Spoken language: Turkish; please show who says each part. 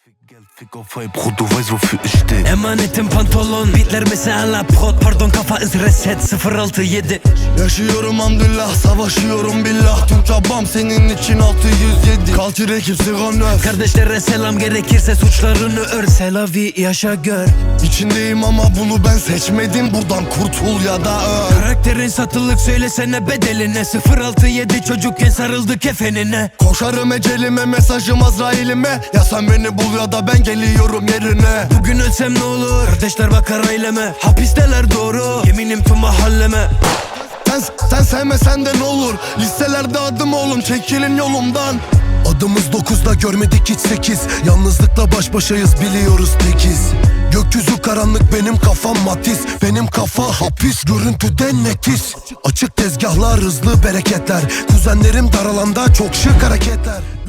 Speaker 1: Fick auf Vibe, Bro, du weißt wofür ich steh.
Speaker 2: Emanetim pantolon, beatler mesela prod. Pardon kafa iz reset 067.
Speaker 3: Yaşıyorum hamdülillah, savaşıyorum billah. Tüm çabam senin için 607. Kalçı rekip sigan öf.
Speaker 2: Kardeşlere selam, gerekirse suçlarını ör. Selavi yaşa gör.
Speaker 3: İçindeyim ama bunu ben seçmedim. Buradan kurtul ya da öl.
Speaker 2: Karakterin satılık, söylesene bedeline. 067 çocukken sarıldı kefenine.
Speaker 3: Koşarım ecelime, mesajım Azrail'ime. Ya sen beni bul ya da ben geliyorum yerine.
Speaker 2: Bugün ölsem ne olur, kardeşler bakar aileme. Hapisteler doğru, yeminim tüm mahalleme.
Speaker 3: Sen sevmesen de ne olur, listelerde adım oğlum, çekilin yolumdan. Adımız 9'da görmedik hiç 8. Yalnızlıkla baş başayız, biliyoruz tekiz. Gökyüzü karanlık, benim kafam matiz. Benim kafa hapis, görüntüden netiz. Açık tezgahlar, hızlı bereketler. Kuzenlerim dar alanda, çok şık hareketler.